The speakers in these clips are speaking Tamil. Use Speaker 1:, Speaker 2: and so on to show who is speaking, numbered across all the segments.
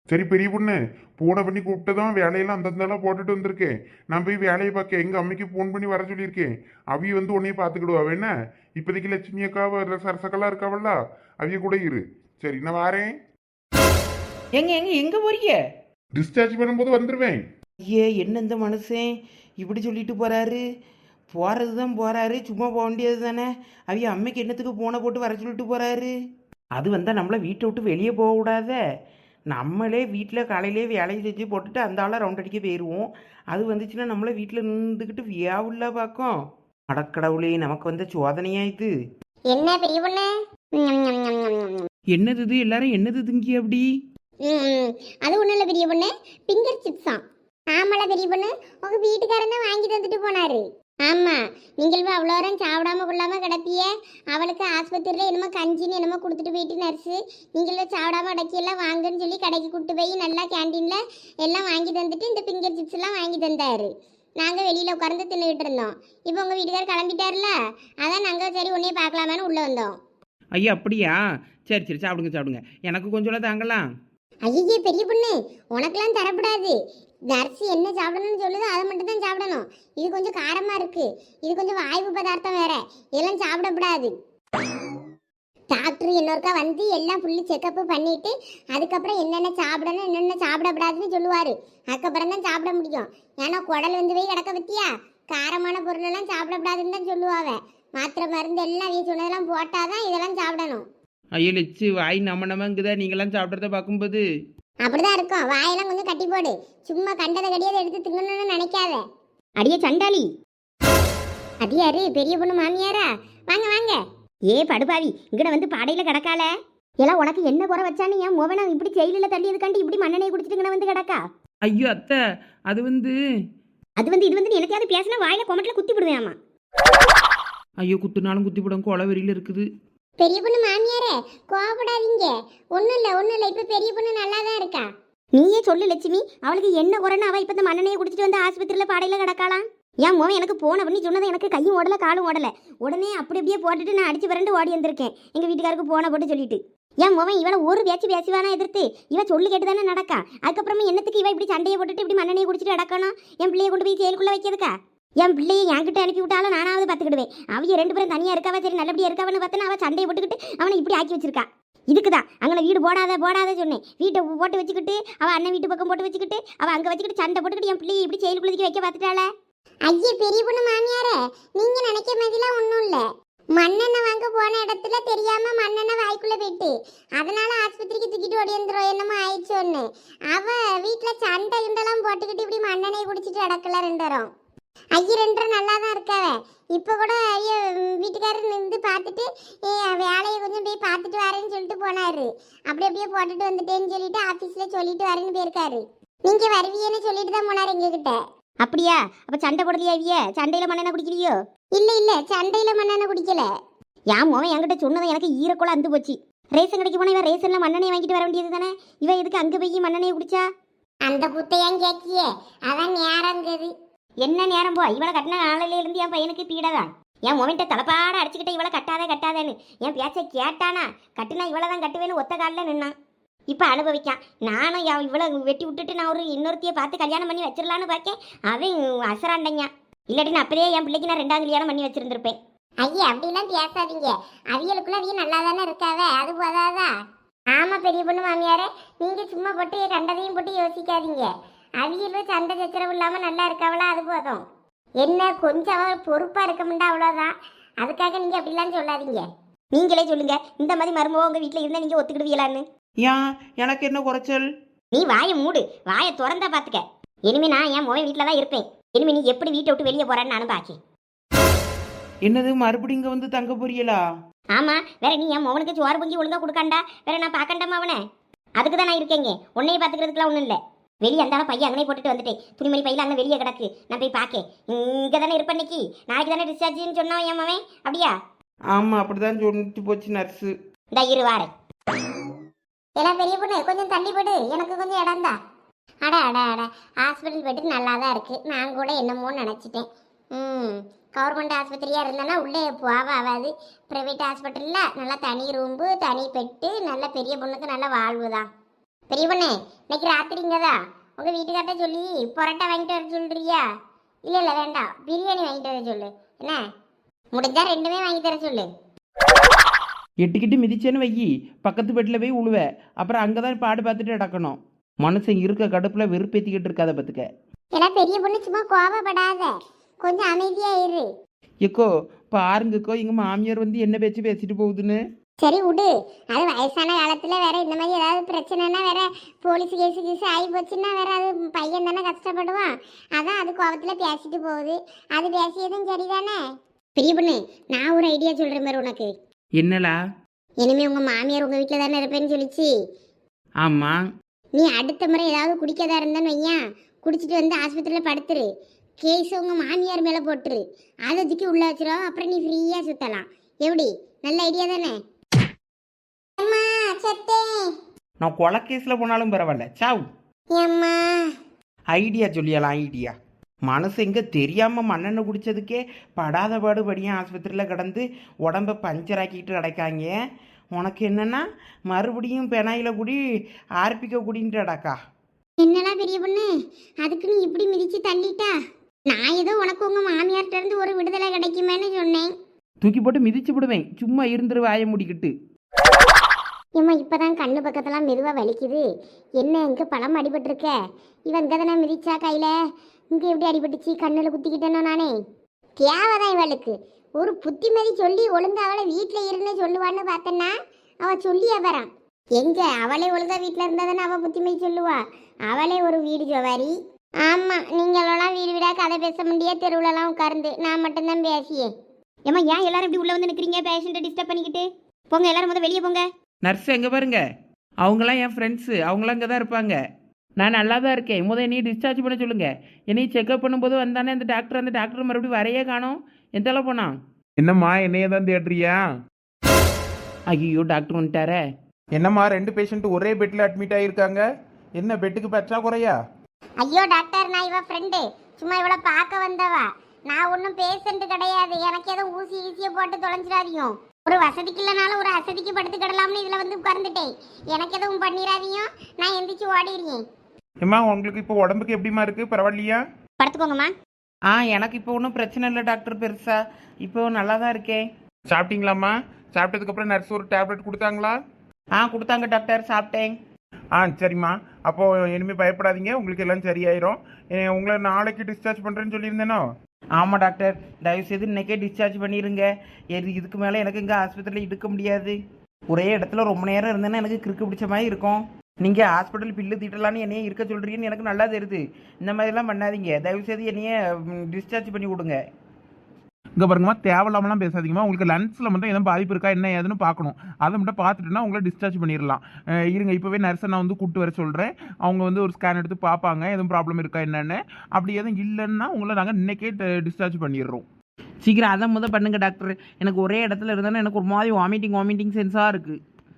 Speaker 1: சரி பெரிய பொண்ணு, பூனை பண்ணி கூப்பிட்டதும் வேலையெல்லாம் அந்தந்தெல்லாம் போட்டுட்டு வந்திருக்கேன். நான் போய் வேலையை பார்க்க எங்க அம்மைக்கு ஃபோன் பண்ணி வர சொல்லியிருக்கேன். அவிய வந்து உன்னைய பார்த்துக்கிடுவா என்ன? இப்போதைக்கு லட்சுமி அக்காவை சரசக்கெல்லாம் இருக்காவல்ல, அவிய கூட இரு. சரி நான் வாரேன்.
Speaker 2: எங்க எங்க எங்க போறீங்க?
Speaker 1: டிஸ்சார்ஜ் பண்ணும்போது வந்துடுவேன்.
Speaker 2: ஐயே, என்ன இந்த மனுஷன் இப்படி சொல்லிட்டு போறாரு? போறது தான் போறாரு, சும்மா போக வேண்டியது தானே. அவிய அம்மைக்கு என்னத்துக்கு போனை போட்டு வர சொல்லிட்டு போறாரு? அது வந்தால் நம்மளை வீட்டை விட்டு வெளியே போகக்கூடாத. நம்மளே வீட்டில் காலையிலே வேலையை செஞ்சு போட்டுட்டு அந்த ஆளை ரவுண்ட் அடிக்க போயிடுவோம். அது வந்துச்சுன்னா நம்மளை வீட்டில் நின்றுக்கிட்டு வியாவுள்ள பார்க்கும். அடக்கடவுளே, நமக்கு வந்த சோதனையா இது?
Speaker 3: என்ன பெரிய பொண்ணு?
Speaker 2: என்னது இது? எல்லாரும் என்னது திங்கி அப்படி?
Speaker 3: ம், அது ஒண்ணும் இல்ல பெரிய பொண்ணு, பிங்கர் சிப்ஸா. ஆமால பெரிய பொண்ணு, உங்க வீட்டுக்காரன் தான் வாங்கி தந்துட்டு போனாரு. ஆமா, நீங்கள் அவ்வளோ நேரம் சாப்பிடாம கொள்ளாம கிடப்பிய. அவளுக்கு ஆஸ்பத்திரியில் என்னமோ கஞ்சின்னு என்னமோ கொடுத்துட்டு போயிட்டு நர்ஸு, நீங்களும் சாப்பிடாம அடக்கியெல்லாம் வாங்கன்னு சொல்லி கடைக்கு கூப்பிட்டு போய் நல்லா கேண்டீனில் எல்லாம் வாங்கி தந்துட்டு இந்த பிங்கர் சிப்ஸ் எல்லாம் வாங்கி தந்தாரு. நாங்கள் வெளியில் உட்கார்ந்து தின்னுக்கிட்டு இருந்தோம். இப்போ உங்கள் வீட்டுக்காரர் கிளம்பிட்டார்ல, அதான் நாங்கள் சரி உன்னையே பார்க்கலாமேன்னு உள்ளே வந்தோம்.
Speaker 2: ஐயா அப்படியா? சரி சரி, சாப்பிடுங்க சாப்பிடுங்க, எனக்கு கொஞ்சம் தாங்கலாம்.
Speaker 3: ஐயே பெரிய பொண்ணு, உனக்கெல்லாம் தரப்படாது. நர்ஸ் என்ன சாப்பிடணும்னு சொல்லுதோ அதை மட்டும் தான் சாப்பிடணும். இது கொஞ்சம் காரமா இருக்கு, இது கொஞ்சம் வாய்வு பதார்த்தம் வேற, இதெல்லாம் சாப்பிடக்கூடாது. டாக்டர் இன்னொருக்கா வந்து எல்லாம் ஃபுல்லி செக்கப் பண்ணிட்டு அதுக்கப்புறம் என்னென்ன சாப்பிடணும் என்னென்ன சாப்பிடக்கூடாதுன்னு சொல்லுவாரு. அதுக்கப்புறம் தான் சாப்பிட முடியும். ஏன்னா குடல் வந்து போய் கிடக்க பத்தியா, காரமான பொருளெல்லாம் சாப்பிடக்கூடாதுன்னு தான் சொல்லுவாங்க. மாத்திரை மருந்து எல்லாம் அவங்க சொன்னதெல்லாம் போட்டாதான் இதெல்லாம் சாப்பிடணும்.
Speaker 2: ஐயோ லட்சு, வாய் நம்மங்குதா நீங்களாம் சாப்பிட்றத பார்க்கும்போது?
Speaker 3: அப்படிதான் இருக்கும். வாயெல்லாம் கொஞ்சம் கட்டி போடு. சும்மா கண்டதை கடியதை எடுத்து திங்கணும்னு நினைக்காத. அடியே சண்டாளி. அடியாரு பெரிய பொண்ணு மாமியாரா? வாங்க வாங்க. ஏ படுபாவி, இங்கட வந்து பாடையில கிடக்கால. எல்லாம் உனக்கு என்ன குறை வச்சானு என் மோவனா இப்படி ஜெயிலில் தள்ளியதுக்காண்டி இப்படி மண்ணெண்ணெய் குடிச்சிட்டு இங்கன வந்து கிடக்கா?
Speaker 2: ஐயோ அத்தை, அது வந்து
Speaker 3: இது வந்து எனக்காவது பேசினா வாயில கொமட்டில் குத்தி விடுவேன்.
Speaker 2: ஐயோ, குத்துனாலும் குத்தி போடும், கொலை வெறியில் இருக்குது.
Speaker 3: பெரிய பொண்ணு மாமியாரே, கோவப்படாதீங்க. ஒன்றும் இல்லை இப்போ பெரிய பொண்ணு நல்லா தான் இருக்கா. நீயே சொல்லு லட்சுமி, அவளுக்கு என்ன குறைன்னு அவள் இப்போ இந்த மண்ணெண்ணையை குடிச்சிட்டு வந்து ஆஸ்பத்திரியில் பாடையில் கிடக்காளாம். என் மோவன் எனக்கு போன பண்ணி சொன்னது, எனக்கு கையும் ஓடலை காலும் ஓடலை. உடனே அப்படி அப்படியே போட்டுட்டு நான் அடிச்சு விரண்டு ஓடி வந்திருக்கேன் எங்கள் வீட்டுக்காருக்கு போன போட்டு சொல்லிட்டு. என் மோவன் இவளை ஒரு பேச்சுவானா எதிர்த்து இவ சொல்லு கேட்டு தானே நடக்கா. அதுக்கப்புறமா என்னத்துக்கு இவ இப்படி சண்டையை போட்டுட்டு இப்படி மண்ணெண்ணையை குடிச்சிட்டு கிடக்கணும்? என் பிள்ளையை கொண்டு போய் செயலுக்குள்ளே வைக்கிறதுக்கா? என் பிள்ளையை என்கிட்ட அனுப்பி விட்டாலும் நானாவது பார்த்துக்கிடுவேன். அவங்க ரெண்டு பேரும் தனியாக இருக்காவா, சரி நல்லபடியாக இருக்காவன்னு பார்த்தா அவள் சண்டையை போட்டுக்கிட்டு அவனை இப்படி ஆக்கி வச்சிருக்கா. இதுக்குதான் அங்கே வீடு போடாத சொன்னேன். வீட்டை போட்டு வச்சுக்கிட்டு அவள் அண்ணன் வீட்டு பக்கம் போட்டு வச்சுக்கிட்டு அவள் அங்கே வச்சுக்கிட்டு சண்டை போட்டுக்கிட்டு என் பிள்ளையை இப்படி செயலுக்குள்ளதுக்கு வைக்க பார்த்துட்டாள. ஐயே பெரிய பொண்ணு மாமியாரே, நீங்க நினைக்க மாதிரிலாம் ஒன்றும் இல்லை. மண்ணெண்ணெய் வாங்க போன இடத்துல தெரியாம மண்ணெண்ணெய் வாய்க்குள்ள போயிட்டு அதனால ஆஸ்பத்திரிக்கு தூக்கிட்டு ஓடி வந்துடும் என்னமோ ஆயிடுச்சு ஒன்று. அவ வீட்டில் சண்டை கிண்டெல்லாம் போட்டுக்கிட்டு இப்படி மண்ணெண்ணெய் குடிச்சிட்டு அடக்கல ரெண்டரும். ஐயா ரெண்டரை நல்லா தான் இருக்காவ. இப்போ கூட ஐயா வீட்டுக்காரர் நின்று பார்த்துட்டு வேலையை கொஞ்சம் போய் பார்த்துட்டு வரேன்னு சொல்லிட்டு போனாரு. அப்படியே போட்டுட்டு வந்துட்டேன்னு சொல்லிட்டு ஆஃபீஸில் சொல்லிட்டு வரேன்னு போயிருக்காரு. நீங்கள் வருவீன்னு சொல்லிட்டு தான் போனார் எங்ககிட்ட. அப்படியா? அப்போ சண்டை போடலையா? இவிய சண்டையில் மண்ணெண்ணெய் குடிக்கலையோ? இல்லை சண்டையில் மண்ணெண்ணெய் குடிக்கல. என் மோவன் என்கிட்ட சொன்னதை எனக்கு ஈரக்குள்ள அந்து போச்சு. ரேஷன் கடைக்கு போனால் இவன் ரேஷனில் மண்ணெண்ணெய் வாங்கிட்டு வர வேண்டியது தானே. இவன் எதுக்கு அங்கே போய் மண்ணெண்ணெய் குடிச்சா? அந்த புத்தையான் கேட்கியே, அதான் நேரங்குது. என்ன நேரம் போ, இவளை கட்டின நாளில இருந்து என் பையனுக்கு பீடதான். என் மொமெண்ட்டை தலைப்பாட அடிச்சுக்கிட்ட இவளை கட்டாதேன்னு என் பேச்சை கேட்டானா கட்டுனா இவளை தான் கட்டுவேன்னு ஒத்த காலில் நின்னான். இப்போ அனுபவிக்கான். நானும் இவளை வெட்டி விட்டுட்டு நான் ஒரு இன்னொருத்தையை பார்த்து கல்யாணம் பண்ணி வச்சிடலான்னு பார்க்கேன். அவன் அசராண்டங்க. இல்லாட்டி நான் அப்படியே என் பிள்ளைக்கு நான் 2வது கல்யாணம் பண்ணி வச்சிருந்திருப்பேன். ஐயா அப்படிலாம் பேசாதீங்க. அவியலுக்குள்ள அவிய நல்லா தானே இருக்காவே, அது போதாதா? ஆமா பெரிய பொண்ணு மாமியாரே, நீங்க சும்மா போட்டு கண்டதையும் போட்டு யோசிக்காதீங்க. அவியலும் சண்டை சச்சரவு இல்லாமல் நல்லா இருக்காவளா, அது போதும். என்ன கொஞ்சம் அவள் பொறுப்பாக இருக்க முடியா, அவ்வளோதான். அதுக்காக நீங்கள் அப்படிலாம் சொல்லாதீங்க. நீங்களே சொல்லுங்க, இந்த மாதிரி மருமக உங்கள் வீட்டில் இருந்தால் நீங்கள் ஒத்துக்கிடுவீங்களான்னு?
Speaker 2: ஏன், எனக்கு என்ன குறைச்சல்?
Speaker 3: நீ வாயை மூடு, வாயை திறந்தா பார்த்துக்க. இனிமே நான் என் மோவன் வீட்டில் தான் இருப்பேன். இனிமே நீ எப்படி வீட்டை விட்டு வெளியே போறான்னு நானும் பாக்கி.
Speaker 2: என்னது, மறுபடியும் இங்கே வந்து தங்க போறீங்களா?
Speaker 3: ஆமாம், வேற நீ என் மோவனுக்கு சோறு பொங்கி ஒழுங்காக கொடுக்காண்டா, வேற நான் பார்க்கண்டாமா அவனை? அதுக்கு தான் நான் இருக்கேங்க. உன்னையே பார்த்துக்கிறதுக்குலாம் ஒன்றும் இல்லை. வெளியே அந்தாலும் பையன் அங்கே போட்டுட்டு வந்துட்டேன். துணிமணி பையில அங்கே வெளியே கிடக்கு, நான் போய் பார்க்கேன். இங்கே தானே இருப்பேன், இன்னைக்கு நாளைக்கு தானே டிஸ்சார்ஜின்னு சொன்னான் என் மவன். அப்படியா?
Speaker 2: ஆமாம், அப்படிதான் சொல்லிட்டு போச்சு நர்ஸு.
Speaker 3: இந்த இரு வாரேன். எல்லாம் பெரிய பொண்ணு கொஞ்சம் தள்ளி போடு, எனக்கு கொஞ்சம் இடம் தான். அட ஹாஸ்பிட்டல் போய்ட்டு நல்லா தான் இருக்குது. நான் கூட என்னமோன்னு நினச்சிட்டேன். கவர்மெண்ட் ஆஸ்பத்திரியாக இருந்தேன்னா உள்ளே ஆகாது. ப்ரைவேட் ஹாஸ்பிட்டலில் நல்லா தனி ரூம்பு, தனி பெட்டு, நல்ல பெரிய பொண்ணுக்கு நல்ல வாழ்வு தான். பெரிய பொண்ணு இன்னைக்கு ராத்திரிங்கதா உங்க வீட்டுக்கார்ட்ட சொல்லி பரோட்டா வாங்கிட்டு வர சொல்றியா? இல்ல வேண்டாம், பிரியாணி வாங்கிட்டு வர சொல்லு. என்ன முடிஞ்சா ரெண்டுமே வாங்கி தர சொல்லு.
Speaker 2: எட்டுக்கிட்டு மிதிச்சேன்னு வையி பக்கத்து பெட்டில் போய் உழுவ. அப்புறம் அங்கே தான் பாடு பார்த்துட்டு நடக்கணும். மனுஷன் இருக்க கடுப்பில் வெறுப்பேற்றிக்கிட்டு இருக்காத பார்த்துக்க.
Speaker 3: எல்லாம் பெரிய பொண்ணு சும்மா கோபப்படாத, கொஞ்சம் அமைதியா இரு.
Speaker 2: எக்கோ பாருங்கக்கோ எங்கள் மாமியார் வந்து என்ன பேச்சு பேசிட்டு போகுதுன்னு.
Speaker 3: சரி விடு, அது வயசான காலத்துல வேற இந்த மாதிரி ஏதாவது பிரச்சனைனா வேற போலீஸ் கேஸு ஆகி போச்சுன்னா வேற அது பையன் தானே கஷ்டப்படுவான். அதான் அது கோபத்துல பேசிட்டு போகுது. அது பேசியதும் சரிதானே. பெரிய பொண்ணு நான் ஒரு ஐடியா சொல்றேன் பாரு உனக்கு.
Speaker 2: என்னலா?
Speaker 3: இனிமே உங்க மாமியார் உங்க வீட்டில் தானே இருப்பேன்னு சொல்லிச்சு.
Speaker 2: ஆமாம்.
Speaker 3: நீ அடுத்த முறை ஏதாவது குடிக்கதா இருந்தான்னு வையன், குடிச்சிட்டு வந்து ஆஸ்பத்திரியில் படுத்துரு. கேஸ் உங்க மாமியார் மேலே போட்டுரு. அதை தூக்கி உள்ள வச்சிரும். அப்புறம் நீ ஃப்ரீயா சுத்தலாம். எப்படி? நல்ல ஐடியா தானே? அம்மா சத்தே.
Speaker 2: நான் கொலை கேஸில் போனாலும் பரவாயில்ல. சாவ்.
Speaker 3: அம்மா
Speaker 2: ஐடியா சொல்லியலாம் ஐடியா. மனசு எங்கே தெரியாமல் மண்ணெண்ணெய் குடித்ததுக்கே படாத பாடுபடியும் ஆஸ்பத்திரியில் கிடந்து உடம்பை பஞ்சராக்கிட்டு கிடக்காங்க. உனக்கு என்னென்னா மறுபடியும் பெனாயில் குடி ஆர்பிக்க குடின்ட்டு அடக்கா.
Speaker 3: என்னடா பெரிய பொண்ணு, அதுக்கு நீ இப்படி மிதிச்சு தள்ளிட்டா? நான் ஏதோ உனக்கு உங்க மாமியார்ட்ட இருந்து ஒரு விடுதலை கிடைக்குமேன்னு சொன்னேன்.
Speaker 2: தூக்கி போட்டு மிதிச்சு விடுவேன். சும்மா இருந்துரு வாயை முடிக்கிட்டு.
Speaker 3: ஏம்மா இப்பதான் கண்ணு பக்கத்தெல்லாம் மெதுவா வலிக்குது. என்ன இங்க பழம் அடிபட்டிருக்க? இவன் இங்க தானே மிதிச்சா கையில, இங்க எப்படி அடிபட்டுச்சு? கண்ணுல குத்திக்கிட்டேனோ நானே. தேவைதான் இவளுக்கு ஒரு புத்திமதி சொல்லி ஒழுங்கா அவளை வீட்டுல இருன்னு சொல்லுவான்னு பார்த்தேன்னா அவ சொல்லியா வரான். எங்க அவளே ஒழுங்கா வீட்டுல இருந்தா தானே அவ புத்திமதி சொல்லுவா. அவளே ஒரு வீடு ஜோவாரி. ஆமா, நீங்களெல்லாம் வீடு வீடா கதை பேச முடியாது. தெருவுலலாம் உட்கார்ந்து நான் மட்டும்தான் பேசியே. ஏம்மா ஏன் எல்லாரும் இப்படி உள்ள வந்து நிற்கிறீங்க? பேஷண்ட்டை டிஸ்டர்ப் பண்ணிக்கிட்டு போங்க. எல்லாரும் முதல் வெளியே போங்க.
Speaker 2: நர்ஸ் எங்கே பாருங்க, அவங்களாம் என் ஃப்ரெண்ட்ஸு. அவங்களாம் இங்கே தான் இருப்பாங்க. நான் நல்லா தான் இருக்கேன். என்னையும் டிஸ்சார்ஜ் பண்ண சொல்லுங்கள். என்னையும் செக்அப் பண்ணும்போது வந்தானே அந்த டாக்டர் மறுபடியும் வரையே காணோம். எந்தளவு போனான்?
Speaker 1: என்னம்மா என்னைய தான் தேடுறியா?
Speaker 2: ஐயோ டாக்டர் வந்துட்டாரே.
Speaker 1: என்னம்மா 2 பேஷண்ட் ஒரே பெட்ல அட்மிட் ஆகியிருக்காங்க. என்ன பெட்டுக்கு பற்றாக்குறையா?
Speaker 3: ஐயோ டாக்டர், நான் இவ ஃப்ரெண்டு. சும்மா இவளை பார்க்க வந்தவா. நான் ஒன்றும் பேஷண்ட் கிடையாது. எனக்கு எதுவும் ஊசியை போட்டு தொலைஞ்சிடாதீங்க. ஒரு வசதிக்கு இல்லைனாலும் ஒரு அசதிக்கு படுத்துக்கிடலாம்னு இதில் வந்து உட்கார்ந்துட்டேன். எனக்கு எதுவும் பண்ணிடாதீங்க. நான் எந்திரிச்சு ஓடிடுறேன்.
Speaker 1: ஏம்மா உங்களுக்கு இப்போ உடம்புக்கு எப்படிமா இருக்கு? பரவாயில்லையா?
Speaker 3: படுத்துக்கோங்கம்மா.
Speaker 2: எனக்கு இப்போ ஒன்றும் பிரச்சனை இல்லை டாக்டர். பெருசா இப்போ நல்லா தான் இருக்கேன்.
Speaker 1: சாப்பிட்டீங்களாம்மா? சாப்பிட்டதுக்கப்புறம் நர்ஸ் ஒரு டேப்லெட் கொடுத்தாங்களா?
Speaker 2: கொடுத்தாங்க டாக்டர், சாப்பிட்டேன்.
Speaker 1: சரிம்மா. அப்போ இனிமேல் பயப்படாதீங்க, உங்களுக்கு எல்லாம் சரியாயிரும். உங்களை நாளைக்கு டிஸ்சார்ஜ் பண்ணுறேன்னு சொல்லியிருந்தேனோ?
Speaker 2: ஆமாம் டாக்டர், தயவுசெய்து இன்னைக்கே டிஸ்சார்ஜ் பண்ணிடுங்க. இதுக்கு மேலே எனக்கு இங்கே ஆஸ்பத்திரியில் இருக்க முடியாது. ஒரே இடத்துல ரொம்ப நேரம் இருந்தேன்னா எனக்கு கிறுக்கு பிடிச்ச மாதிரி இருக்கும். நீங்கள் ஹாஸ்பிட்டல் பில்லு தீட்டலான்னு என்னையே இருக்க சொல்கிறீங்கன்னு எனக்கு நல்லா தெரியுது. இந்த மாதிரிலாம் பண்ணாதீங்க. தயவுசெய்து என்னையே டிஸ்சார்ஜ் பண்ணி விடுங்க.
Speaker 1: இங்கே பாருங்கம்மா, தேவையில்லாமலாம் பேசாதீங்கம்மா. உங்களுக்கு லன்ஸில் மட்டும் எதுவும் பாதிப்பு இருக்கா என்ன ஏதுன்னு பார்க்கணும். அதை மட்டும் பார்த்துட்டுனா உங்களை டிஸ்சார்ஜ் பண்ணிடலாம். இருங்க, இப்போவே நர்ஸை நான் வந்து கூப்பிட்டு வர சொல்கிறேன். அவங்க வந்து ஒரு ஸ்கேன் எடுத்து பார்ப்பாங்க எதுவும் ப்ராப்ளம் இருக்கா என்னென்னு. அப்படி எதுவும் இல்லைன்னா உங்களை நாங்கள் இன்றைக்கே டிஸ்சார்ஜ் பண்ணிடுறோம்.
Speaker 2: சீக்கிரம் அதை பண்ணுங்க டாக்டர். எனக்கு ஒரே இடத்துல இருந்தாலும் எனக்கு ஒரு மாதிரி வாமிட்டிங் சென்ஸாக இருக்குது.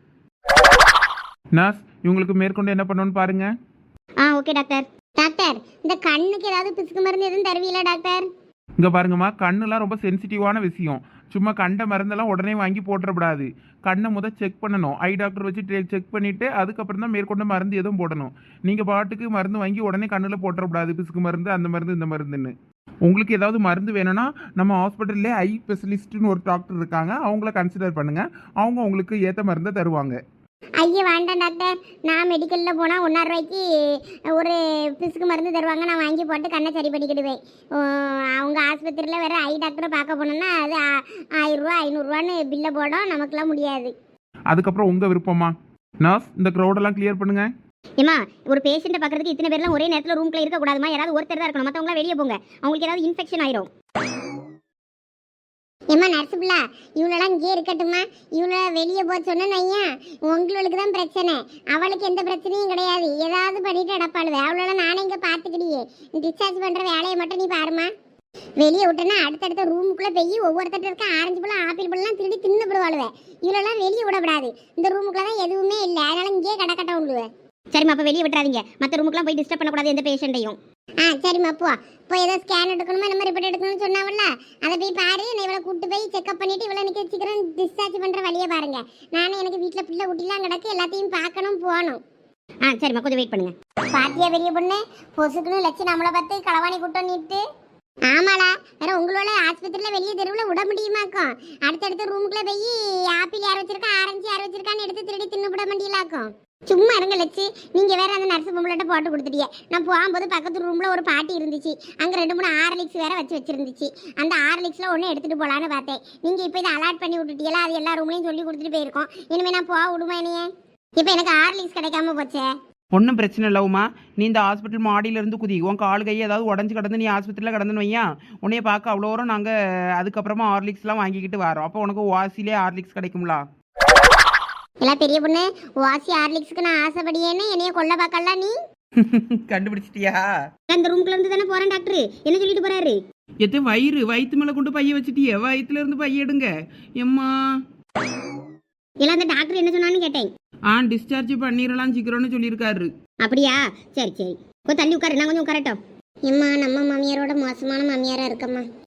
Speaker 1: நர்ஸ், இவங்களுக்கு மேற்கொண்டு என்ன பண்ணணும்னு பாருங்க.
Speaker 3: Okay doctor. டாக்டர், இந்த கண்ணுக்கு ஏதாவது பிசுக்கு மருந்து எதுவும் தருவீங்களா டாக்டர்?
Speaker 1: இங்கே பாருங்கம்மா, கண்ணுலாம் ரொம்ப சென்சிட்டிவான விஷயம். சும்மா கண்ட மருந்தெல்லாம் உடனே வாங்கி போட்டுறக்கூடாது. கண்ணை முதல் செக் பண்ணணும். ஐ டாக்டர் வச்சு செக் பண்ணிவிட்டு அதுக்கப்புறம் தான் மேற்கொண்டு மருந்து எதுவும் போடணும். நீங்கள் பாட்டுக்கு மருந்து வாங்கி உடனே கண்ணில் போட்டுறக்கூடாது. பிசுக்கு மருந்து அந்த மருந்து இந்த மருந்துன்னு. உங்களுக்கு ஏதாவது மருந்து வேணும்னா நம்ம ஹாஸ்பிட்டல்லே ஐ ஸ்பெஷலிஸ்ட்டுன்னு ஒரு டாக்டர் இருக்காங்க. அவங்கள கன்சிடர் பண்ணுங்கள். அவங்க உங்களுக்கு ஏற்ற மருந்தை தருவாங்க.
Speaker 3: ஐயா வேண்டாம் டாக்டர். நான் மெடிக்கலில் போனால் 1,000 ரூபாய்க்கு ஒரு பிசுக்கு மருந்து தருவாங்க. நான் வாங்கி போட்டு கண்ணை சரி பண்ணிக்கிடுவேன். அவங்க ஆஸ்பத்திரியில் வேறு ஐ டாக்டரை பார்க்க போனோன்னா அது 1000 ரூபா 500 பில்லை போடும். நமக்குலாம் முடியாது.
Speaker 1: அதுக்கப்புறம் உங்கள் விருப்பமா? நர்ஸ், இந்த க்ரௌடெல்லாம் கிளியர் பண்ணுங்க.
Speaker 3: ஏமா, ஒரு பேஷண்ட்டை பார்க்கறதுக்கு இத்தனை பேர்லாம் ஒரே நேரத்தில் ரூம்ல இருக்கக்கூடாதுமா. யாராவது ஒருத்தர் தான் இருக்கணும். மற்றவங்களாம் வெளியே போங்க. அவங்களுக்கு ஏதாவது இன்ஃபெக்ஷன் ஆயிரும். ஏமா நர்ஸ் பிள்ளா, இவளெல்லாம் இங்கே இருக்கட்டுமா? இவளை வெளியே போக சொன்னேன்னு ஐயா, உங்களுக்கு தான் பிரச்சனை. அவளுக்கு எந்த பிரச்சனையும் கிடையாது. ஏதாவது பண்ணிட்டு அடப்பாளுவே. அவளெல்லாம் நானே இங்கே பார்த்துக்கிடியே. டிஸ்சார்ஜ் பண்ணுற வேலையை மட்டும் நீ பாருமா. வெளியே விட்டேன்னா அடுத்தடுத்த ரூமுக்குள்ளே போய் ஒவ்வொருத்தட்ட இருக்க ஆரஞ்சு பழம் ஆப்பிள் பழம்லாம் திருடி தின்னு விடுவாளுவே. இவளெல்லாம் வெளியே விடக்கூடாது. இந்த ரூமுக்குள்ள தான் எதுவுமே இல்லை. அதனால இங்கேயே கடக்கட்ட விடுவேன். சரிம்மா, அப்போ வெளியே விட்டுறாதீங்க. மற்ற ரூமுக்குலாம் போய் டிஸ்டர்ப் பண்ணக்கூடாது எந்த பேஷண்ட்டையும். சரிம்மா, இப்போ ஏதோ ஸ்கேன் எடுக்கணுமா நம்ம ரிப்போர்ட் எடுக்கணும்னு சொன்னாவல்ல, அதை போய் பாரு. நான் இவளை கூட்டு போய் செக்அப் பண்ணிட்டு இவளை நிற்க சீக்கிரம் டிஸ்சார்ஜ் பண்ணுற வழியை பாருங்க. நானும் எனக்கு வீட்டில் பிள்ளை குட்டிலாம் கிடக்கு, எல்லாத்தையும் பார்க்கணும் போகணும். ஆ சரிம்மா கொஞ்சம் வெயிட் பண்ணுங்க. பாத்தியா பெரிய பொண்ணு, பொசுக்குன்னு லட்சம் நம்மளை பார்த்து களவாணி கூட்டம் நீட்டு. ஆமாடா, வேற உங்களோட ஆஸ்பத்திரியில வெளியே தெருவில் விட முடியுமாக்கும்? அடுத்தடுத்த ரூமுக்குள்ள போய் ஆப்பிள் யார் வச்சிருக்கா, ஆரஞ்சு யார் வச்சிருக்கான்னு எடுத்து திருடி தின்னுபிட முடியலாக்கும். சும்மா இருங்க லட்சு, நீங்க வேற அந்த நர்ஸ் பொம்பளைட்ட போட்டு கொடுத்துட்டீங்க. நான் போகும்போது பக்கத்து ரூம்ல ஒரு பாட்டி இருந்துச்சு, அங்க 2 3 ஹார்லிக்ஸ் வேற வச்சிருந்துச்சு. அந்த ஹார்லிக்ஸ்ல ஒன்று எடுத்துட்டு போலான்னு பார்த்தேன். நீங்க இப்போ இதை அலாட் பண்ணி விட்டுட்டீங்களா, அது எல்லா ரூம்லையும் சொல்லி கொடுத்துட்டு போயிருக்கோம். இனிமே நான் போக விடுமா என்னையே? இப்போ எனக்கு ஹார்லிக்ஸ் கிடைக்காம போச்சே.
Speaker 2: ஒன்றும் பிரச்சனை இல்லைம்மா, நீ இந்த ஹாஸ்பிட்டல் மாடியிலேருந்து குதி. உன் கால் கை ஏதாவது உடஞ்சி கிடந்து நீ ஹாஸ்பிட்டலில் கிடந்துன்னு வையா, உன்னைய பார்க்க அவ்வளோ வரும். நாங்கள் அதுக்கப்புறமா ஹார்லிக்ஸ்லாம் வாங்கிக்கிட்டு வரோம். அப்போ உனக்கு வாசிலே ஹார்லிக்ஸ் கிடைக்கும்லா?
Speaker 3: எல்லாம் பெரிய பொண்ணு, வாசி ஹார்லிக்ஸ்க்கு நான் ஆசைப்படியேன்னு என்னைய கொல்ல பார்க்கலாம் நீ.
Speaker 2: கண்டுபிடிச்சிட்டியா?
Speaker 3: அந்த ரூம்குள்ள இருந்து தானே போறேன் டாக்டர், என்ன சொல்லிட்டு போறாரு?
Speaker 2: எத்தே வயிற்று மேலே கொண்டு பைய வச்சுட்டியே, வயிற்றுல இருந்து பைய எடுங்க எம்மா.
Speaker 3: எல்லாம் அந்த டாக்டர் என்ன சொன்னான்னு கேட்டேன்.
Speaker 2: டிஸ்சார்ஜ் பண்ணிடலாம் சீக்கிரம்னு சொல்லியிருக்காரு.
Speaker 3: அப்படியா? சரி சரி, கொஞ்சம் தள்ளி உட்காரு, நான் கொஞ்சம் உட்காரட்டும். எம்மா, நம்ம மாமியாரோட மோசமான மாமியாரா இருக்கம்மா.